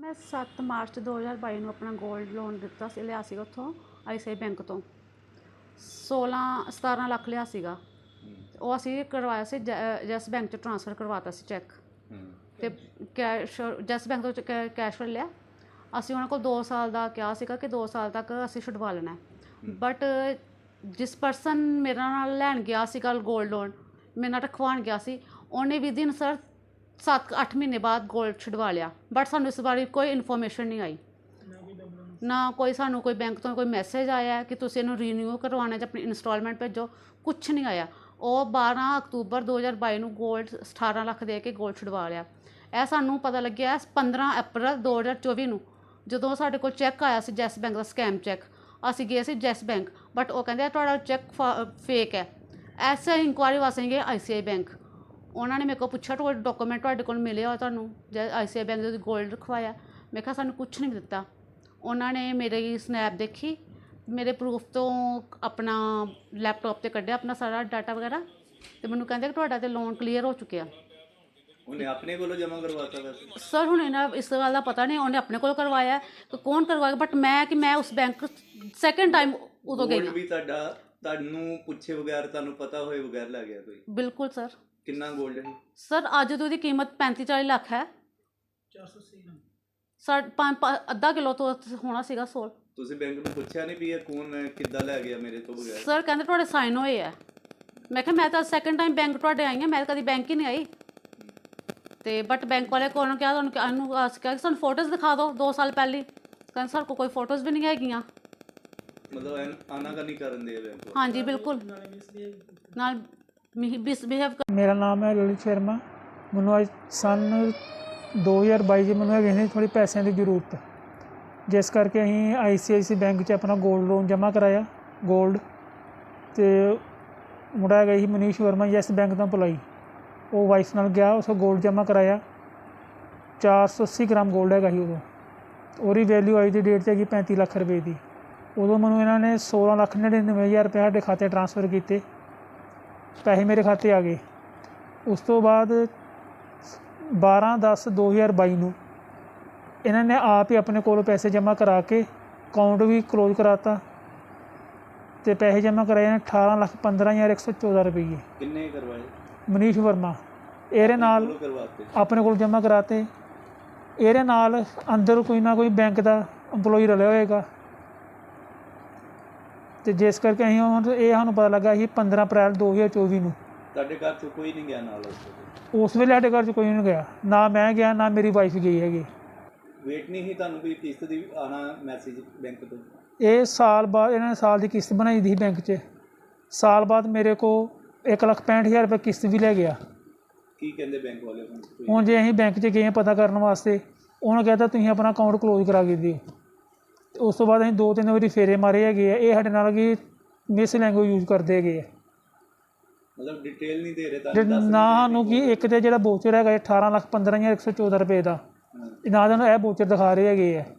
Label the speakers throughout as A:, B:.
A: मैं 7 ਮਾਰਚ 2022 ਨੂੰ ਆਪਣਾ ਗੋਲਡ ਲੋਨ ਦਿੱਤਾ ਸੀ, ਲਿਆ ਸੀਗਾ ਉੱਥੋਂ ICICI ਬੈਂਕ ਤੋਂ 17 ਲੱਖ ਲਿਆ ਸੀਗਾ। ਉਹ ਅਸੀਂ ਕਰਵਾਇਆ ਸੀ ਜੈਸ ਬੈਂਕ 'ਚ ਟ੍ਰਾਂਸਫਰ ਕਰਵਾਤਾ ਸੀ ਚੈੱਕ ਤੇ ਕੈਸ਼ ਜੈਸ ਬੈਂਕ ਤੋਂ ਕੈਸ਼ ਲਿਆ। ਅਸੀਂ ਉਹਨਾਂ ਕੋਲ 2 ਸਾਲ ਦਾ ਕਿਹਾ ਸੀਗਾ ਕਿ 2 ਸਾਲ ਤੱਕ ਅਸੀਂ ਛੁਡਵਾ ਲੈਣਾ, ਬਟ ਜਿਸ ਪਰਸਨ ਮੇਰੇ ਨਾਲ ਲੈਣ ਗਿਆ ਸੀਗਾ ਗੋਲਡ ਲੋਨ, ਮੇਰੇ ਨਾਲ ਰਖਵਾਉਣ ਗਿਆ ਸੀ, ਉਹਨੇ ਵਿਦਿਨ ਸਰ 7-8 ਮਹੀਨੇ ਬਾਅਦ ਗੋਲਡ ਛੁਡਵਾ ਲਿਆ। ਬਟ ਸਾਨੂੰ ਇਸ ਬਾਰੇ ਕੋਈ ਇਨਫੋਰਮੇਸ਼ਨ ਨਹੀਂ ਆਈ, ਨਾ ਕੋਈ ਸਾਨੂੰ ਕੋਈ ਬੈਂਕ ਤੋਂ ਕੋਈ ਮੈਸੇਜ ਆਇਆ ਕਿ ਤੁਸੀਂ ਇਹਨੂੰ ਰੀਨਿਊ ਕਰਵਾਉਣਾ ਜਾਂ ਆਪਣੀ ਇੰਸਟਾਲਮੈਂਟ ਭੇਜੋ, ਕੁਛ ਨਹੀਂ ਆਇਆ। ਉਹ 12 ਅਕਤੂਬਰ 2022 ਨੂੰ ਗੋਲਡ 18 ਲੱਖ ਦੇ ਕੇ ਗੋਲਡ ਛੁਡਵਾ ਲਿਆ। ਇਹ ਸਾਨੂੰ ਪਤਾ ਲੱਗਿਆ 15 ਅਪ੍ਰੈਲ 2024 ਨੂੰ, ਜਦੋਂ ਸਾਡੇ ਕੋਲ ਚੈੱਕ ਆਇਆ ਸੀ ਜੈਸ ਬੈਂਕ ਦਾ ਸਕੈਮ ਚੈੱਕ। ਅਸੀਂ ਗਏ ਸੀ ਜੈਸ ਬੈਂਕ, ਬਟ ਉਹ ਕਹਿੰਦੇ ਤੁਹਾਡਾ ਚੈੱਕ ਫੇਕ ਹੈ। ਐਸੇ ਇਨਕੁਆਇਰੀ ਵਾਸਤੇ ਗਏ ICICI ਬੈਂਕ। ਉਹਨਾਂ ਨੇ ਮੇਰੇ ਕੋਲ ਪੁੱਛਿਆ ਤੁਹਾਡੇ ਡਾਕੂਮੈਂਟ ਤੁਹਾਡੇ ਕੋਲ ਮਿਲੇ ਹੋ ਤੁਹਾਨੂੰ ICICI ਬੈਂਕ ਦੇ ਗੋਲਡ ਰਖਵਾਇਆ? ਮੈਂ ਕਿਹਾ ਸਾਨੂੰ ਕੁਛ ਨਹੀਂ ਦਿੱਤਾ। ਉਹਨਾਂ ਨੇ ਮੇਰੀ ਸਨੈਪ ਦੇਖੀ, ਮੇਰੇ ਪ੍ਰੂਫ ਤੋਂ ਆਪਣਾ ਲੈਪਟਾਪ 'ਤੇ ਕੱਢਿਆ ਆਪਣਾ ਸਾਰਾ ਡਾਟਾ ਵਗੈਰਾ, ਅਤੇ ਮੈਨੂੰ ਕਹਿੰਦੇ ਕਿ ਤੁਹਾਡਾ ਤਾਂ ਲੋਨ ਕਲੀਅਰ ਹੋ ਚੁੱਕਿਆ।
B: ਉਹਨੇ ਆਪਣੇ ਕੋਲੋਂ ਜਮ੍ਹਾਂ ਕਰਵਾਤਾ ਵੈਸੇ?
A: ਸਰ ਹੁਣ ਇਹਨਾਂ ਇਸ ਗੱਲ ਦਾ ਪਤਾ ਨਹੀਂ, ਉਹਨੇ ਆਪਣੇ ਕੋਲ ਕਰਵਾਇਆ ਕਿ ਕੌਣ ਕਰਵਾਇਆ, ਬਟ ਮੈਂ ਉਸ ਬੈਂਕ ਸੈਕਿੰਡ ਟਾਈਮ ਉਦੋਂ ਗਈ।
B: ਵੀ ਤੁਹਾਨੂੰ ਪੁੱਛੇ ਬਗੈਰ, ਤੁਹਾਨੂੰ ਪਤਾ ਹੋਏ ਬਗੈਰ ਲੈ ਗਿਆ ਕੋਈ?
A: ਬਿਲਕੁਲ ਸਰ।
B: ਕਿੰਨਾ ਗੋਲਡ ਹੈ
A: ਸਰ? ਅੱਜ ਤੋਂ ਉਹਦੀ ਕੀਮਤ 35-40 ਲੱਖ ਹੈ। 480 ਸਰ ਅੱਧਾ ਕਿਲੋ ਤੋਂ ਹੋਣਾ ਸੀਗਾ ਸੋਲ।
B: ਤੁਸੀਂ ਬੈਂਕ ਨੂੰ ਪੁੱਛਿਆ ਨਹੀਂ ਵੀ ਇਹ ਕੌਣ ਹੈ, ਕਿੱਦਾਂ ਲੈ ਗਿਆ ਮੇਰੇ ਤੋਂ ਬਗੈਰ?
A: ਸਰ ਕਹਿੰਦੇ ਤੁਹਾਡੇ ਸਾਈਨ ਹੋਏ ਆ। ਮੈਂ ਕਿਹਾ ਮੈਂ ਤਾਂ ਸੈਕਿੰਡ ਟਾਈਮ ਬੈਂਕ ਤੁਹਾਡੇ ਆਈ ਹਾਂ, ਮੈਂ ਤਾਂ ਕਦੀ ਬੈਂਕ ਹੀ ਨਹੀਂ ਆਈ। ਤੇ ਬਟ ਬੈਂਕ ਵਾਲੇ ਕੋਲ ਕਿਹਾ ਤੁਹਾਨੂੰ ਕਿਹਾ ਕਿ ਸਾਨੂੰ ਫੋਟੋਜ਼ ਦਿਖਾ ਦਿਓ 2 ਸਾਲ ਪਹਿਲੀ। ਕਹਿੰਦੇ ਸਰ ਕੋਈ ਫੋਟੋਜ਼ ਵੀ ਨਹੀਂ ਹੈਗੀਆਂ।
B: ਮਤਲਬ ਆਨਾਕਾਨੀ ਕਰਨ ਦੇ ਬੈਂਕ?
A: ਹਾਂਜੀ ਬਿਲਕੁਲ, ਨਾਲ ਮਿਸਬਿਹੇਵ।
C: ਮੇਰਾ ਨਾਮ ਹੈ ਲਲਿਤ ਸ਼ਰਮਾ। ਮੈਨੂੰ ਅੱਜ ਸੰਨ 2022 'ਚ ਮੈਨੂੰ ਹੈਗੇ ਸੀ ਥੋੜ੍ਹੀ ਪੈਸਿਆਂ ਦੀ ਜ਼ਰੂਰਤ, ਜਿਸ ਕਰਕੇ ਅਸੀਂ ICICI ਬੈਂਕ 'ਚ ਆਪਣਾ ਗੋਲਡ ਲੋਨ ਜਮ੍ਹਾਂ ਕਰਾਇਆ ਗੋਲਡ। ਅਤੇ ਮੁੰਡਾ ਹੈਗਾ ਸੀ ਮਨੀਸ਼ ਵਰਮਾ, ਯੈਸ ਬੈਂਕ ਤੋਂ ਅਪਲਾਈ। ਉਹ ਵਾਈਫ ਨਾਲ ਗਿਆ, ਉਸ ਗੋਲਡ ਜਮ੍ਹਾਂ ਕਰਾਇਆ। 480 ਗ੍ਰਾਮ ਗੋਲਡ ਹੈਗਾ ਸੀ ਉਦੋਂ। ਉਹਦੀ ਵੈਲਿਊ ਅੱਜ ਦੀ ਡੇਟ 'ਚ ਹੈਗੀ 35 ਲੱਖ ਰੁਪਏ ਦੀ। ਉਦੋਂ ਮੈਨੂੰ ਇਹਨਾਂ ਨੇ 16,99,000 ਰੁਪਏ ਸਾਡੇ ਖਾਤੇ ਟਰਾਂਸਫਰ ਕੀਤੇ, ਪੈਸੇ ਮੇਰੇ ਖਾਤੇ ਆ ਗਏ। ਉਸ ਤੋਂ ਬਾਅਦ 12/10/2022 ਨੂੰ ਇਹਨਾਂ ਨੇ ਆਪ ਹੀ ਆਪਣੇ ਕੋਲੋਂ ਪੈਸੇ ਜਮ੍ਹਾਂ ਕਰਾ ਕੇ ਅਕਾਊਂਟ ਵੀ ਕਲੋਜ਼ ਕਰਾਤਾ, ਅਤੇ ਪੈਸੇ ਜਮ੍ਹਾਂ ਕਰਾਏ ਨੇ 18,15,114 ਰੁਪਏ।
B: ਕਿੰਨੇ ਕਰਵਾਏ?
C: ਮਨੀਸ਼ ਵਰਮਾ। ਇਹਦੇ ਨਾਲ ਆਪਣੇ ਕੋਲ ਜਮ੍ਹਾਂ ਕਰਾਤੇ। ਇਹਦੇ ਨਾਲ ਅੰਦਰ ਕੋਈ ਨਾ ਕੋਈ ਬੈਂਕ ਦਾ ਇੰਪਲੋਈ ਰਲਿਆ ਹੋਏਗਾ, ਅਤੇ ਜਿਸ ਕਰਕੇ ਅਸੀਂ ਹੁਣ ਇਹ ਸਾਨੂੰ ਪਤਾ ਲੱਗਾ ਸੀ 15 ਅਪ੍ਰੈਲ 2024 ਨੂੰ।
B: ਤੁਹਾਡੇ ਘਰ 'ਚ ਕੋਈ ਨਹੀਂ ਗਿਆ ਨਾਲ?
C: ਉਸ ਵੇਲੇ ਸਾਡੇ ਘਰ 'ਚ ਕੋਈ ਨਹੀਂ ਗਿਆ, ਨਾ ਮੈਂ ਗਿਆ ਨਾ ਮੇਰੀ ਵਾਈਫ ਗਈ ਹੈਗੀ।
B: ਵੇਟ ਨਹੀਂ ਸੀ ਤੁਹਾਨੂੰ ਕੋਈ ਕਿਸ਼ਤ ਦੀ ਆਉਣਾ ਮੈਸੇਜ ਬੈਂਕ ਤੋਂ?
C: ਇਹ ਸਾਲ ਬਾਅਦ ਇਹਨਾਂ ਨੇ ਸਾਲ ਦੀ ਕਿਸ਼ਤ ਬਣਾਈ ਦੀ ਸੀ ਬੈਂਕ 'ਚ। ਸਾਲ ਬਾਅਦ ਮੇਰੇ ਕੋਲ 1,65,000 ਰੁਪਏ ਕਿਸ਼ਤ ਵੀ ਲੈ ਗਿਆ।
B: ਕੀ ਕਹਿੰਦੇ ਬੈਂਕ ਵਾਲੇ
C: ਹੁਣ ਜੇ ਅਸੀਂ ਬੈਂਕ 'ਚ ਗਏ ਪਤਾ ਕਰਨ ਵਾਸਤੇ, ਉਹਨੂੰ ਕਹਿੰਦਾ ਤੁਸੀਂ ਆਪਣਾ ਅਕਾਊਂਟ ਕਲੋਜ਼ ਕਰਾ ਕੇ ਦਿਓ। ਉਸ ਤੋਂ ਬਾਅਦ ਅਸੀਂ 2-3 ਵਾਰੀ ਫੇਰੇ ਮਾਰੇ ਹੈਗੇ ਆ। ਇਹ ਸਾਡੇ ਨਾਲ ਕਿ ਮਿਸ ਲੈਂਗੁਏਜ ਯੂਜ਼ ਕਰਦੇ ਹੈਗੇ ਆ।
B: ਮਤਲਬ ਡਿਟੇਲ ਨਹੀਂ ਦੇ ਰਹੇ
C: ਨਾ ਸਾਨੂੰ ਕਿ ਇੱਕ ਤਾਂ ਜਿਹੜਾ ਵੋਚਰ ਹੈਗਾ 18,15,114 ਰੁਪਏ ਦਾ, ਨਾ ਸਾਨੂੰ ਇਹ ਵੋਚਰ ਦਿਖਾ ਰਹੇ ਹੈਗੇ ਆ।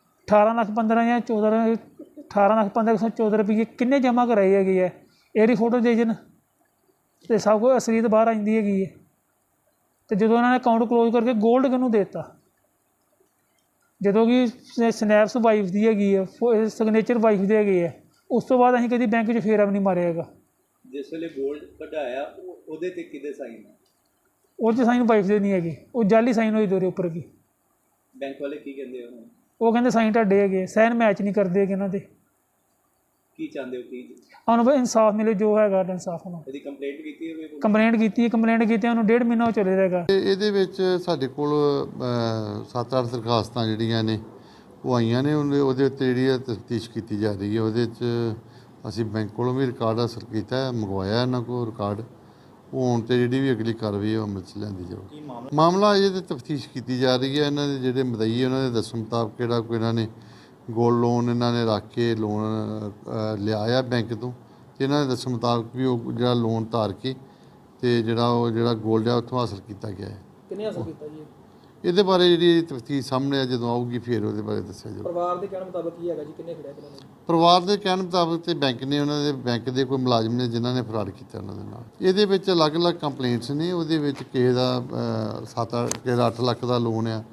C: 18,15,114 ਰੁਪਏ ਕਿੰਨੇ ਜਮ੍ਹਾਂ ਕਰਾਏ ਹੈਗੇ ਆ, ਇਹਦੀ ਫੋਟੋ ਦੇ ਜਨ ਅਤੇ ਸਭ ਕੁਝ ਅਸਲੀਅਤ ਬਾਹਰ ਆ ਜਾਂਦੀ ਹੈਗੀ ਹੈ। ਅਤੇ ਜਦੋਂ ਉਹਨਾਂ ਨੇ ਅਕਾਊਂਟ ਕਲੋਜ਼ ਕਰਕੇ ਗੋਲਡ ਕਿਹਨੂੰ ਦੇ ਦਿੱਤਾ, ਜਦੋਂ ਕਿ ਸਨੈਪਸ ਵਾਈਫ ਦੀ ਹੈਗੀ ਹੈ, ਸਿਗਨੇਚਰ ਵਾਈਫ ਦੇ ਹੈਗੇ ਆ। ਉਸ ਤੋਂ ਬਾਅਦ ਅਸੀਂ ਕਦੀ ਬੈਂਕ 'ਚ ਫੇਰਾ ਵੀ ਨਹੀਂ ਮਾਰਿਆ ਹੈਗਾ।
B: ਜਿਸ ਵੇਲੇ ਗੋਲਡ ਕਢਾਇਆ ਉਹਦੇ 'ਤੇ ਕਿਹਦੇ ਸਾਈਨ ਹੈ?
C: ਉਹ 'ਚ ਸਾਈਨ ਵਾਈਫ ਦੇ ਨਹੀਂ ਹੈਗੇ, ਉਹ ਜਾਲੀ ਸਾਈਨ ਹੋਈ ਦੋਰੇ ਉੱਪਰ ਕੀ।
B: ਬੈਂਕ ਵਾਲੇ ਕੀ ਕਹਿੰਦੇ ਹੋ?
C: ਉਹ ਕਹਿੰਦੇ ਸਾਈਨ ਤੁਹਾਡੇ ਹੈਗੇ, ਸਾਈਨ ਮੈਚ ਨਹੀਂ ਕਰਦੇ ਹੈਗੇ ਇਹਨਾਂ ਦੇ।
B: ਕੀ ਚਾਹੁੰਦੇ ਹੋ? ਕੀ
C: ਸਾਨੂੰ ਬਈ ਇਨਸਾਫ ਮਿਲੇ, ਜੋ ਹੈਗਾ ਇਨਸਾਫ ਨੂੰ।
B: ਇਹਦੀ ਕੰਪਲੇਂਟ ਕੀਤੀ ਹੋਵੇ?
C: ਕੰਪਲੇਂਟ ਕੀਤੀ ਉਹਨੂੰ 1.5 ਮਹੀਨਾ ਹੋ ਚੱਲੇ ਰਹੇਗਾ।
D: ਇਹਦੇ ਵਿੱਚ ਸਾਡੇ ਕੋਲ 7-8 ਦਰਖਾਸਤਾਂ ਜਿਹੜੀਆਂ ਨੇ ਉਹ ਆਈਆਂ ਨੇ। ਉਹਦੇ ਉੱਤੇ ਜਿਹੜੀ ਤਫਤੀਸ਼ ਕੀਤੀ ਜਾ ਰਹੀ ਹੈ। ਉਹਦੇ 'ਚ ਅਸੀਂ ਬੈਂਕ ਕੋਲੋਂ ਵੀ ਰਿਕਾਰਡ ਹਾਸਲ ਕੀਤਾ, ਮੰਗਵਾਇਆ ਇਹਨਾਂ ਕੋਲ ਰਿਕਾਰਡ। ਉਹ ਹੁਣ 'ਤੇ ਜਿਹੜੀ ਵੀ ਅਗਲੀ ਕਾਰਵਾਈ ਉਹ ਅਮਲ 'ਚ ਲਿਆਂਦੀ ਜਾਊਗੀ। ਮਾਮਲਾ ਇਹਦੇ ਤਫਤੀਸ਼ ਕੀਤੀ ਜਾ ਰਹੀ ਹੈ। ਇਹਨਾਂ ਦੇ ਜਿਹੜੇ ਮਦਈ ਉਹਨਾਂ ਦੇ ਦੱਸਣ ਮੁਤਾਬਕ ਕਿਹੜਾ ਕੋਈ ਇਹਨਾਂ ਨੇ ਗੋਲਡ ਲੋਨ ਇਹਨਾਂ ਨੇ ਰੱਖ ਕੇ ਲੋਨ ਲਿਆ ਆ ਬੈਂਕ ਤੋਂ, ਅਤੇ ਇਹਨਾਂ ਦੇ ਦੱਸਣ ਮੁਤਾਬਕ ਵੀ ਉਹ ਜਿਹੜਾ ਲੋਨ ਧਾਰ ਕੇ ਅਤੇ ਜਿਹੜਾ ਗੋਲਡ ਆ ਉੱਥੋਂ ਹਾਸਲ ਕੀਤਾ ਗਿਆ ਹੈ।
C: ਕਿੰਨੇ ਹਾਸਲ ਕੀਤਾ ਜੀ?
D: ਇਹਦੇ ਬਾਰੇ ਜਿਹੜੀ ਤਫਤੀਸ਼ ਸਾਹਮਣੇ ਆ ਜਦੋਂ ਆਊਗੀ ਫਿਰ ਉਹਦੇ ਬਾਰੇ ਦੱਸਿਆ ਜਾਊਗਾ।
C: ਪਰਿਵਾਰ ਦੇ ਕਹਿਣ ਮੁਤਾਬਕ ਕੀ ਹੈਗਾ ਜੀ, ਕਿੰਨੇ ਖੜਿਆ ਇਹਨਾਂ ਨੇ?
D: ਪਰਿਵਾਰ ਦੇ ਕਹਿਣ ਮੁਤਾਬਕ ਤੇ ਬੈਂਕ ਨੇ ਉਹਨਾਂ ਦੇ ਬੈਂਕ ਦੇ ਕੋਈ ਮੁਲਾਜ਼ਮ ਨੇ ਜਿਨ੍ਹਾਂ ਨੇ ਫਰਾਡ ਕੀਤਾ ਉਹਨਾਂ ਦੇ ਨਾਲ। ਇਹਦੇ ਵਿੱਚ ਅਲੱਗ-ਅਲੱਗ ਕੰਪਲੇਂਟਸ ਨੇ। ਉਹਦੇ ਵਿੱਚ ਕਿਸੇ ਦਾ 7-8 ਲੱਖ ਦਾ ਲੋਨ ਆ,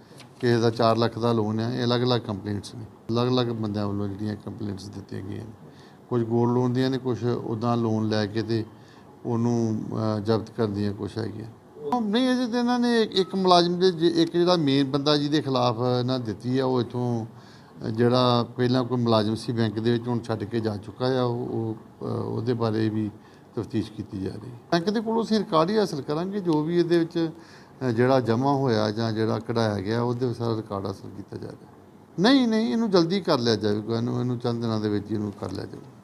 D: ਕਿਸੇ ਦਾ 4 ਲੱਖ ਦਾ ਲੋਨ ਹੈ, ਇਹ ਅਲੱਗ-ਅਲੱਗ ਕੰਪਲੇਂਟਸ ਨੇ, ਅਲੱਗ-ਅਲੱਗ ਬੰਦਿਆਂ ਵੱਲੋਂ ਜਿਹੜੀਆਂ ਕੰਪਲੇਂਟਸ ਦਿੱਤੀਆਂ ਗਈਆਂ ਨੇ। ਕੁਝ ਗੋਲਡ ਲੋਨ ਦੀਆਂ ਨੇ, ਕੁਝ ਉੱਦਾਂ ਲੋਨ ਲੈ ਕੇ ਤੇ ਉਹਨੂੰ ਜ਼ਬਤ ਕਰਨ ਦੀਆਂ ਕੁਛ ਹੈਗੀਆਂ। ਨਹੀਂ, ਅਜੇ ਤਾਂ ਇਹਨਾਂ ਨੇ ਇੱਕ ਮੁਲਾਜ਼ਮ ਦੇ ਇੱਕ ਜਿਹੜਾ ਮੇਨ ਬੰਦਾ ਜਿਹਦੇ ਖਿਲਾਫ ਇਹਨਾਂ ਦਿੱਤੀ ਆ, ਉਹ ਇੱਥੋਂ ਜਿਹੜਾ ਪਹਿਲਾਂ ਕੋਈ ਮੁਲਾਜ਼ਮ ਸੀ ਬੈਂਕ ਦੇ ਵਿੱਚ, ਹੁਣ ਛੱਡ ਕੇ ਜਾ ਚੁੱਕਾ ਆ। ਉਹਦੇ ਬਾਰੇ ਵੀ ਤਫਤੀਸ਼ ਕੀਤੀ ਜਾ ਰਹੀ ਹੈ। ਬੈਂਕ ਦੇ ਕੋਲੋਂ ਅਸੀਂ ਰਿਕਾਰਡ ਹੀ ਹਾਸਲ ਕਰਾਂਗੇ, ਜੋ ਵੀ ਇਹਦੇ ਵਿੱਚ ਜਿਹੜਾ ਜਮ੍ਹਾਂ ਹੋਇਆ ਜਾਂ ਜਿਹੜਾ ਕਢਾਇਆ ਗਿਆ ਉਹਦੇ ਸਾਰਾ ਰਿਕਾਰਡ ਹਾਸਲ ਕੀਤਾ ਜਾ ਰਿਹਾ। ਨਹੀਂ, ਇਹਨੂੰ ਜਲਦੀ ਕਰ ਲਿਆ ਜਾਵੇਗਾ, ਇਹਨੂੰ ਚੰਦ ਦਿਨਾਂ ਦੇ ਵਿੱਚ ਇਹਨੂੰ ਕਰ ਲਿਆ ਜਾਵੇਗਾ।